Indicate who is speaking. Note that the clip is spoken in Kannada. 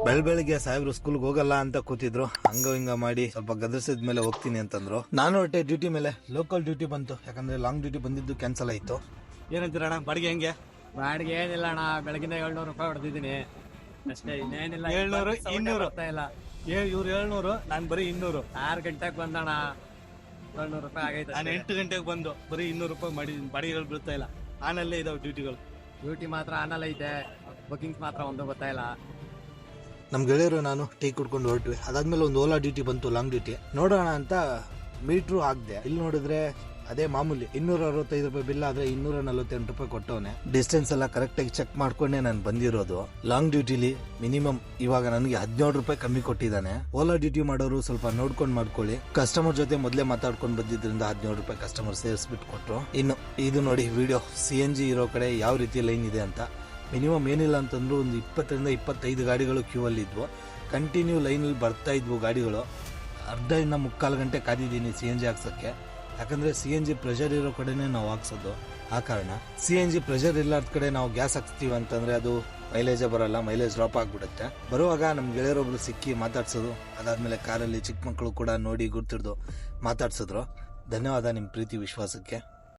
Speaker 1: ಬೆಳಗ್ಗೆ ಸಾಹೇಬ್ರು ಸ್ಕೂಲ್ಗೆ ಹೋಗಲ್ಲ ಅಂತ ಕೂತಿದ್ರು. ಹಂಗ ಹಿಂಗ ಮಾಡಿ ಸ್ವಲ್ಪ ಗದರ್ಸಿದ ಮೇಲೆ ಹೋಗ್ತೀನಿ ಅಂತಂದ್ರು. ನಾನು ಹೊಟ್ಟೆ ಡ್ಯೂಟಿ ಮೇಲೆ ಲೋಕಲ್ ಡ್ಯೂಟಿ ಬಂತು, ಯಾಕಂದ್ರೆ ಲಾಂಗ್ ಡ್ಯೂಟಿ ಬಂದಿದ್ದು ಕ್ಯಾನ್ಸಲ್ ಆಯ್ತು.
Speaker 2: ಏನಂತೀರ ಅಣ್ಣ ಬಾಡಿಗೆ ಹೆಂಗೆ?
Speaker 3: ಬಾಡಿಗೆ ಏನಿಲ್ಲ ಅಣ್ಣ, ಬೆಳಗಿಂದ 700 ರೂಪಾಯಿ ಹೊಡೆದಿದ್ದೀನಿ ಅಷ್ಟೇ, ಇನ್ನೇನಿಲ್ಲ.
Speaker 2: 700 200
Speaker 3: ಇಲ್ಲ
Speaker 2: ಇವ್ರು 700, ನಾನು ಬರೀ 200.
Speaker 3: 6 ಗಂಟೆಗೆ ಬಂದಣ 700 ರೂಪಾಯಿ ಆಗೈತೆ.
Speaker 2: ನಾನು 8 ಗಂಟೆಗೆ ಬಂದು ಬರೀ 200 ರೂಪಾಯಿ ಮಾಡಿದ್ದೀನಿ. ಬಾಡಿಗೆಗಳು ಬೀಳ್ತಾ ಇಲ್ಲ, ಆನಲ್ಲೇ ಇದಾವೆ ಡ್ಯೂಟಿಗಳು.
Speaker 3: ಡ್ಯೂಟಿ ಮಾತ್ರ ಆನಲ್ಲ ಐತೆ, ಬುಕಿಂಗ್ಸ್ ಮಾತ್ರ ಒಂದು ಗೊತ್ತಾ ಇಲ್ಲ.
Speaker 1: ನಮ್ ಗೆಳೆಯರು ನಾನು ಟೀ ಕುಡ್ಕೊಂಡು ಹೊರಟ್ವಿ. ಅದಾದ್ಮೇಲೆ ಒಂದು ಓಲಾ ಡ್ಯೂಟಿ ಬಂತು, ಲಾಂಗ್ ಡ್ಯೂಟಿ. ನೋಡೋಣ ಅಂತ ಮೀಟ್ರು ಹಾಕ್ದೆ. ಇಲ್ಲಿ ನೋಡಿದ್ರೆ ಅದೇ ಮಾಮೂಲಿ 265 ರೂಪಾಯಿ ಬಿಲ್ ಆದ್ರೆ 248 ರೂಪಾಯಿ ಕೊಟ್ಟವನೆ. ಡಿಸ್ಟೆನ್ಸ್ ಎಲ್ಲ ಕರೆಕ್ಟ್ ಆಗಿ ಚೆಕ್ ಮಾಡ್ಕೊಂಡೆ ನಾನು ಬಂದಿರೋದು. ಲಾಂಗ್ ಡ್ಯೂಟಿಲಿ ಮಿನಿಮಮ್ ಇವಾಗ ನನಗೆ 17 ರೂಪಾಯಿ ಕಮ್ಮಿ ಕೊಟ್ಟಿದ್ದಾನೆ. ಓಲಾ ಡ್ಯೂಟಿ ಮಾಡೋರು ಸ್ವಲ್ಪ ನೋಡ್ಕೊಂಡ್ ಮಾಡ್ಕೊಳ್ಳಿ. ಕಸ್ಟಮರ್ ಜೊತೆ ಮೊದಲೇ ಮಾತಾಡ್ಕೊಂಡು ಬಂದಿದ್ರಿಂದ 17 ರೂಪಾಯಿ ಕಸ್ಟಮರ್ ಸೇರಿಸ್ಬಿಟ್ಟು ಕೊಟ್ರು. ಇನ್ನು ಇದು ನೋಡಿ ವಿಡಿಯೋ, CNG ಇರೋ ಕಡೆ ಯಾವ ರೀತಿ ಲೈನ್ ಇದೆ ಅಂತ. ಮಿನಿಮಮ್ ಏನಿಲ್ಲ ಅಂತಂದ್ರು ಒಂದು 20ರಿಂದ 25 ಗಾಡಿಗಳು ಕ್ಯೂ ಅಲ್ಲಿ ಇದ್ವು. ಕಂಟಿನ್ಯೂ ಲೈನಲ್ಲಿ ಬರ್ತಾ ಇದ್ವು ಗಾಡಿಗಳು. ಅರ್ಧದಿಂದ 3/4 ಗಂಟೆ ಕಾದಿದ್ದೀನಿ CNG ಹಾಕ್ಸಕ್ಕೆ. ಯಾಕಂದ್ರೆ CNG ಪ್ರೆಷರ್ ಇರೋ ಕಡೆನೆ ನಾವು ಹಾಕ್ಸೋದು. ಆ ಕಾರಣ CNG ಪ್ರೆಷರ್ ಇಲ್ಲಾರ್ದ ಕಡೆ ನಾವು ಗ್ಯಾಸ್ ಹಾಕ್ಸ್ತೀವಿ ಅಂತಂದ್ರೆ ಅದು ಮೈಲೇಜೇ ಬರಲ್ಲ, ಮೈಲೇಜ್ ಡ್ರಾಪ್ ಆಗ್ಬಿಡುತ್ತೆ. ಬರುವಾಗ ನಮ್ ಗೆಳೆಯರೊಬ್ರು ಸಿಕ್ಕಿ ಮಾತಾಡ್ಸೋದು. ಅದಾದ್ಮೇಲೆ ಕಾರಲ್ಲಿ ಚಿಕ್ಕ ಮಕ್ಕಳು ಕೂಡ ನೋಡಿ ಗುರ್ತಿಡ್ದು ಮಾತಾಡ್ಸಿದ್ರು. ಧನ್ಯವಾದ ನಿಮ್ ಪ್ರೀತಿ ವಿಶ್ವಾಸಕ್ಕೆ.